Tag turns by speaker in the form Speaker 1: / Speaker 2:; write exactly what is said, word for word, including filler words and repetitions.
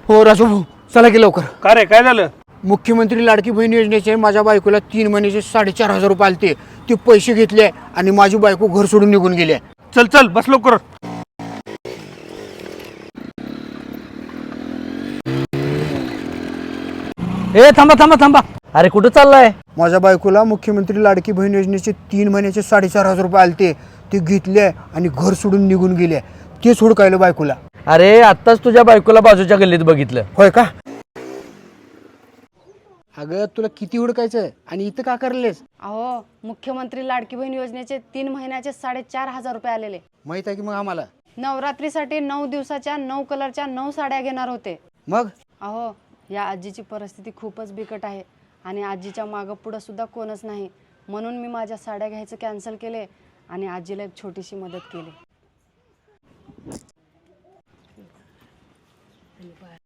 Speaker 1: हो राजू भाऊ, चला की लवकर.
Speaker 2: का रे, काय झालं?
Speaker 1: मुख्यमंत्री लाडकी बहीण योजनेचे माझ्या बायकोला तीन महिन्याचे साडेचार हजार रुपये आलते. ते पैसे घेतले आणि माझी बायको घर सोडून निघून गेली.
Speaker 2: चल चल बस लवकर.
Speaker 3: ए थांबा थांबा थांबा. अरे कुठं चाललाय?
Speaker 1: माझ्या बायकोला मुख्यमंत्री लाडकी बहीण योजनेचे तीन महिन्याचे साडेचार हजार रुपये आलते. ते घेतले आणि घर सोडून निघून गेले. ते सोडकायलं बायकोला.
Speaker 3: अरे आत्ताच तुझ्या बायकोला बाजूच्या गल्लीत बघितलं.
Speaker 1: होय का? अगं तुला किती हुडकायचं आणि इथं का करलेस?
Speaker 4: अहो, मुख्यमंत्री लाडकी बहीण योजनेचे तीन महिन्याचे साडेचार हजार रुपये आलेले.
Speaker 1: माहित आहे की मग आम्हाला.
Speaker 4: नवरात्रीसाठी नऊ दिवसाच्या नऊ कलरच्या नऊ साड्या घेणार होते.
Speaker 1: मग
Speaker 4: अहो, या आजीची परिस्थिती खूपच बिकट आहे आणि आजीच्या मागं पुढं सुद्धा कोणच नाही. म्हणून मी माझ्या साड्या घ्यायचं कॅन्सल केले आणि आजीला एक छोटीशी मदत केली.